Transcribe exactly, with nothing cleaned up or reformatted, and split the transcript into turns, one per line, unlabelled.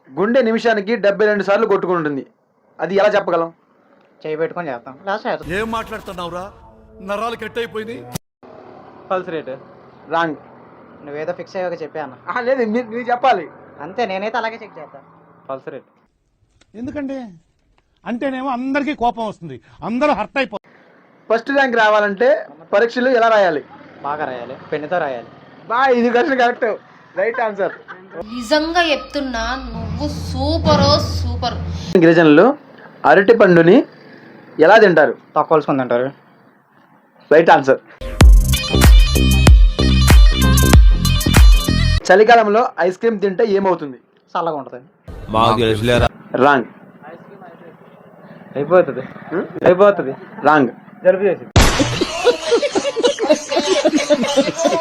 గుండె నిమిషానికి డెబ్బై రెండు సార్లు కొట్టుకుంటుంది. అది ఎలా చెప్పగలం?
చేయి పెట్టుకొని చేస్తాం. లాస్ట్
ఏం మాట్లాడుతున్నావురా? నరాలు కట్ అయిపోయింది.
Pulse rate
wrong.
నువ్వేదో ఫిక్స్ అయ్యాక చెప్పా అన్న.
లేదు, మీరు మీరు చెప్పాలి.
అంతే, నేనైతే అలాగే చెక్ చేస్తాను. పల్స్ రేట్
ఎందుకండి అంటేనేమో అందరికీ కోపం వస్తుంది, అందరూ హర్ట్ అయిపోతారు.
ఫస్ట్ ర్యాంక్ రావాలంటే పరీక్షలు ఎలా రాయాలి?
బాగా రాయాలి, పెన్నుతో రాయాలి.
బా, ఇది క్వశ్చన్ కరెక్ట్. Right answer.
నిజంగా చెప్తున్నా, నువ్వు సూపరో సూపర్.
గిరిజనులు అరటి పండుని ఎలా తింటారు?
తక్కువలుసుకుంది అంటారు.
Right answer. చలికాలంలో ఐస్ క్రీమ్ తింటే ఏమవుతుంది?
చల్లగా ఉంటుంది.
రాంగ్.
అయిపోతుంది అయిపోతుంది
రాంగ్.
జలుబు చేసి